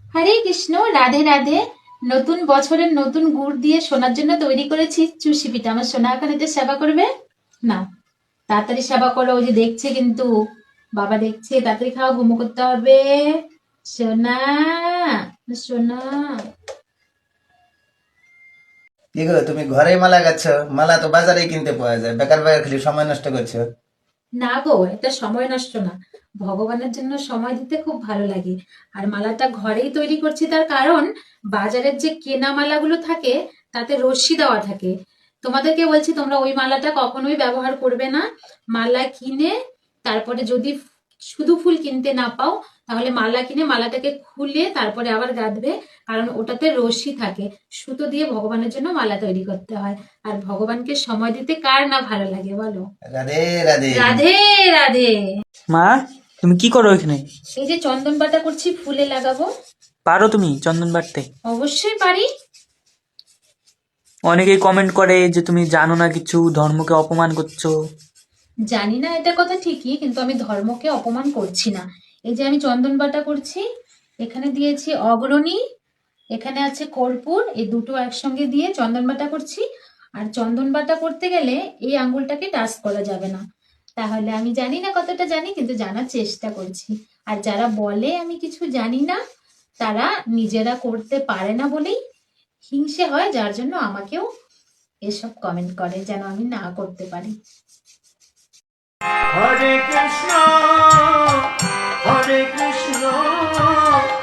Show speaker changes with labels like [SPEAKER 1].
[SPEAKER 1] হরে কৃষ্ণ, রাধে রাধে। নতুন বছরের নতুন গুড় দিয়ে সোনার জন্য তৈরি করেছি চুষি পিঠা। আমার সোনা এখন এতে সেবা করবে না। তাড়াতাড়ি সেবা করো, ওই যে দেখছে কিন্তু, বাবা দেখছে। তাড়াতাড়ি খাওয়া, ঘুমো করতে হবে। সোনা, সোনা।
[SPEAKER 2] কি গো, তুমি ঘরে মালা গাচ্ছ? মালা তো বাজারেই কিনতে পাওয়া যায়, বেকার বেকার খালি সময় নষ্ট করছো।
[SPEAKER 1] না গো, এটা সময় নষ্ট না। ভগবানের জন্য সময় দিতে খুব ভালো লাগে। আর মালাটা ঘরেই তৈরি করছি, তার কারণ বাজারের যে কেনা মালাগুলো থাকে তাতে রশ্মি দেওয়া থাকে। তোমাদেরকে বলছি, তোমরা ওই মালাটা কখনোই ব্যবহার করবে না। মালা কিনে তারপরে যদি শুধু ফুল কিনতে না পাও, তাহলে মালা কিনে মালাটাকে খুলে তারপরে আবার গাঁথবে। কারণ ওটাতে রশ্মি থাকে। সুতো দিয়ে ভগবানের জন্য মালা তৈরি করতে হয়। আর ভগবানকে সময় দিতে কার না ভালো লাগে বলো?
[SPEAKER 2] রাধে রাধে।
[SPEAKER 1] রাধে রাধে।
[SPEAKER 3] মা, তুমি কি করো এখানে?
[SPEAKER 1] এই যে চন্দন বাটা করছি, ফুলে লাগাবো।
[SPEAKER 3] পারো তুমি চন্দন বাটতে?
[SPEAKER 1] অবশ্যই পারি।
[SPEAKER 3] অনেকেই কমেন্ট করে যে তুমি জানো না কিছু, ধর্মকে অপমান করছো।
[SPEAKER 1] জানি না, এটা কথা ঠিকই, কিন্তু আমি ধর্মকে অপমান করছি না। এই যে আমি চন্দন বাটা করছি, এখানে দিয়েছি অগ্রণী, এখানে আছে কর্পূর, এই দুটো একসঙ্গে দিয়ে চন্দন বাটা করছি। আর চন্দন বাটা করতে গেলে এই আঙ্গুলটাকে টাচ করা যাবে না। তাহলে আমি জানি না কতটা জানি, কিন্তু জানার চেষ্টা করছি। আর যারা বলে আমি কিছু জানি না, তারা নিজেরা করতে পারে না বলেই হিংসে হয়, যার জন্য আমাকেও এসব কমেন্ট করে যেন আমি না করতে পারি।
[SPEAKER 4] হরে কৃষ্ণ হরে কৃষ্ণ